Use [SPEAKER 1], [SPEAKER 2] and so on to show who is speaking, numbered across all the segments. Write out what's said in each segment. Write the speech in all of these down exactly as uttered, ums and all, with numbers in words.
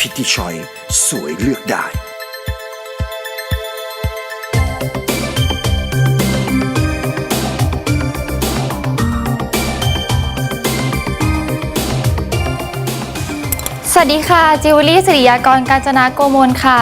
[SPEAKER 1] พิธีชอยสวยเลือกได้
[SPEAKER 2] สวัสดีค่ะจิวเวลรี่ศิริยากรกาญจนาโกมลค่ะ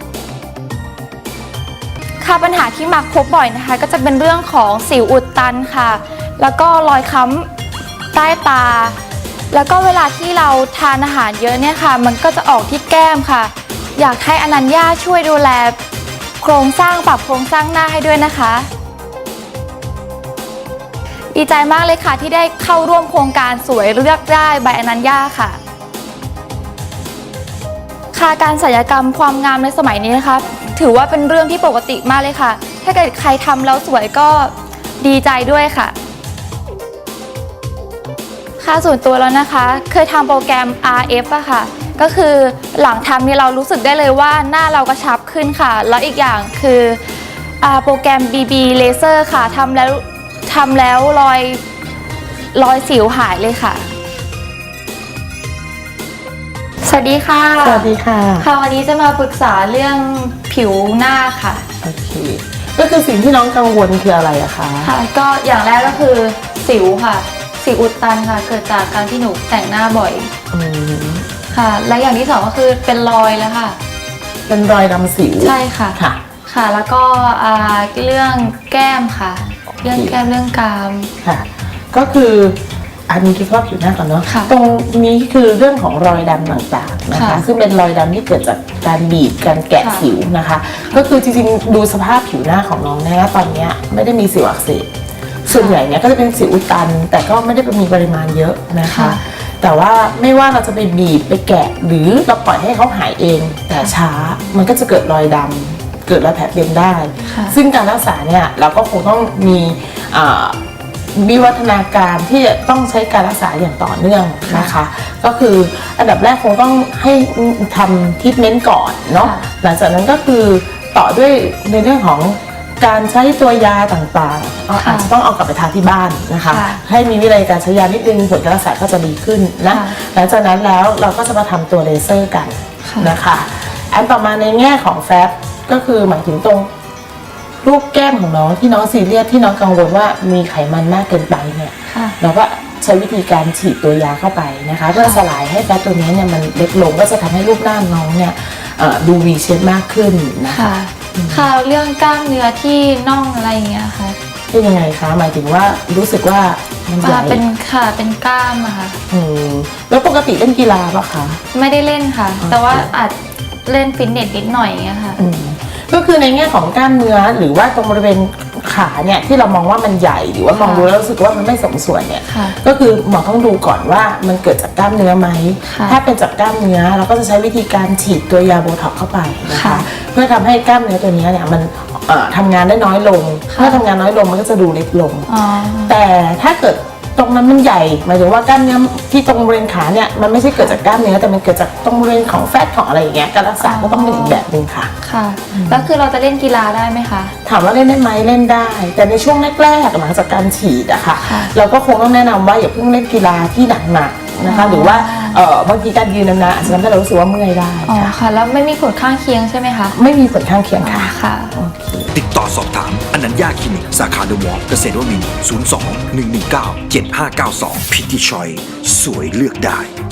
[SPEAKER 2] ค่ะปัญหาที่มักพบบ่อยนะคะก็จะเป็นเรื่องของสิวอุดตันค่ะแล้วก็รอยค้ำใต้ตาแล้วก็เวลาที่เราทานอาหารเยอะเนี่ยค่ะมันก็จะออกที่แก้มค่ะอยากให้อนัญญาช่วยดูแลโครงสร้างปรับโครงสร้างหน้าให้ด้วยนะคะดีใจมากเลยค่ะที่ได้เข้าร่วมโครงการสวยเลือกได้ใบอนัญญาค่ะค่ะการศัลยกรรมความงามในสมัยนี้นะคะถือว่าเป็นเรื่องที่ปกติมากเลยค่ะถ้าเกิดใครทำแล้วสวยก็ดีใจด้วยค่ะค่ะส่วนตัวแล้วนะคะเคยทำโปรแกรม อาร์ เอฟ อะค่ะก็คือหลังทำเนี่ยเรารู้สึกได้เลยว่าหน้าเรากระชับขึ้นค่ะแล้วอีกอย่างคือโปรแกรม บี บี Laser ค่ะทำแล้วทำแล้วรอยรอยสิวหายเลยค่ะสวัสดีค่ะ
[SPEAKER 3] สวัสดีค่ะ
[SPEAKER 2] ค่ะวันนี้จะมาปรึกษาเรื่องผิวหน้าค่ะ
[SPEAKER 3] โอเคก็คือสิ่งที่น้องกังวลคืออะไรอะคะ
[SPEAKER 2] ค่ะก็อย่างแรกก็คือสิวค่ะสิวอุดตันค่ะเกิดจากการที่หนูแต่งหน้าบ่อย
[SPEAKER 3] อืม
[SPEAKER 2] ค่ะและอย่างที่สองก็คือเป็นรอยแล้วค่ะ
[SPEAKER 3] เป็นรอยดำสิว
[SPEAKER 2] ใช่ค่ะ
[SPEAKER 3] ค่ะ
[SPEAKER 2] ค่ะแล้วก็เรื่องแก้มค่ะเรื่องแก้มเรื่องกราม
[SPEAKER 3] ค่ะก็คืออันนี้คิดว่าผิวหน้าก่อนเนาะตรงนี้คือเรื่องของรอยดำต่างๆนะคะซึ่งเป็นรอยดำที่เกิดจากการบีบการแกะสิวนะคะก็คือจริงๆดูสภาพผิวหน้าของน้องนะตอนนี้ไม่ได้มีสิวอักเสบส่วนใหญ่เนี่ยก็จะเป็นสิวอุดตันแต่ก็ไม่ได้มีปริมาณเยอะนะคะแต่ว่าไม่ว่าเราจะไปบีบไปแกะหรือเราปล่อยให้เขาหายเองแต่ช้ามันก็จะเกิดรอยดำเกิดรอยแผลเป็นได้ซึ่งการรักษาเนี่ยเราก็คงต้องมีวิวัฒนาการที่จะต้องใช้การรักษาอย่างต่อเนื่องนะคะก็คืออันดับแรกคงต้องให้ทำทรีทเมนต์ก่อนเนาะหลังจากนั้นก็คือต่อด้วยในเรื่องของการใช้ตัวยาต่างๆอาจจะต้องเอากลับไปทานที่บ้านนะคะให้มีวิธีการใช้ยานิดนึงผลการรักษาก็จะดีขึ้นนะหลังจากนั้นแล้วเราก็จะมาทำตัวเลเซอร์กันนะคะอันต่อมาในแง่ของแฟตก็คือหมายถึงตรงรูปแก้มของน้องที่น้องซีเรียสที่น้องกังวลว่ามีไขมันมากเกินไปเนี่ยเราก็ใช้วิธีการฉีดตัวยาเข้าไปนะคะเพื่อสลายให้แฟตตัวนี้เนี่ยมันเล็กลงก็จะทำให้รูปหน้าน้องเนี่ยดูวีเชฟมากขึ้นนะคะ
[SPEAKER 2] ค่ะเรื่องกล้ามเนื้อที่น่องอะไรอย่างเงี้ยค่ะ
[SPEAKER 3] เป็นยังไงคะหมายถึงว่ารู้สึกว่ามันใหญ่
[SPEAKER 2] เป็นค่ะเป็นกล้ามอะค่ะ
[SPEAKER 3] อืมแล้วปกติเล่นกีฬาปะคะ
[SPEAKER 2] ไม่ได้เล่นค่ะแต่ว่าอาจเล่นฟิตเนสนิดหน่อยอย่างเงี้ยค่ะ
[SPEAKER 3] ก็คือในแง่ของกล้ามเนื้อหรือว่าตรงบริเวณขาเนี่ยที่เรามองว่ามันใหญ่หรือว่ามองดูแล้วรู้สึกว่ามันไม่สมส่วนเนี่ยก็คือหมอต้องดูก่อนว่ามันเกิดจากกล้ามเนื้อไหมถ้าเป็นจากกล้ามเนื้อเราก็จะใช้วิธีการฉีดตัวยาโบท็อกซ์เข้าไปนะคะเพื่อทำให้กล้ามเนื้อตัวนี้เนี่ยมันทำงานได้น้อยลงเมื่อทำงานน้อยลงมันก็จะดูเล็กลงแต่ถ้าเกิดตรงนั้นมันใหญ่หมายถึงว่ากล้ามเนื้อที่ตรงบริเวณขาเนี่ยมันไม่ใช่เกิดจากกล้ามเนื้อแต่มันเกิดจากตรงบริเวณของแฟตของอะไรอย่างเงี้ยการรักษาก็ต้องเป็นอีกแบบนึงค่ะ
[SPEAKER 2] ค่ะแล้วคือเราจะเล่นกีฬาได้ไหมคะ
[SPEAKER 3] ถามว่าเล่นได้ไหมเล่นได้แต่ในช่วงแรกๆหลังจากการฉีดอะค่ะเราก็คงต้องแนะนำว่าอย่าเพิ่งเล่นกีฬาที่หนักๆนะคะหรือว่าเออบางทีการยืนนานๆอาจจะทำให้เรารู้สึกว่าเมื่อยได้
[SPEAKER 2] อ๋อค่ะแล้วไม่มีผลข้างเคียงใช่ไหมคะ
[SPEAKER 3] ไม่มีผลข้างเคียงค่ะ
[SPEAKER 2] ค่ะ
[SPEAKER 1] ติดต่อสอบถามอนัญญาคลินิกสาขาเดอะมอลล์เกษตรวมินทร์ศูนย์ สอง หนึ่ง หนึ่ง เก้า เจ็ด ห้า เก้า สองพิธีชอยสวยเลือกได้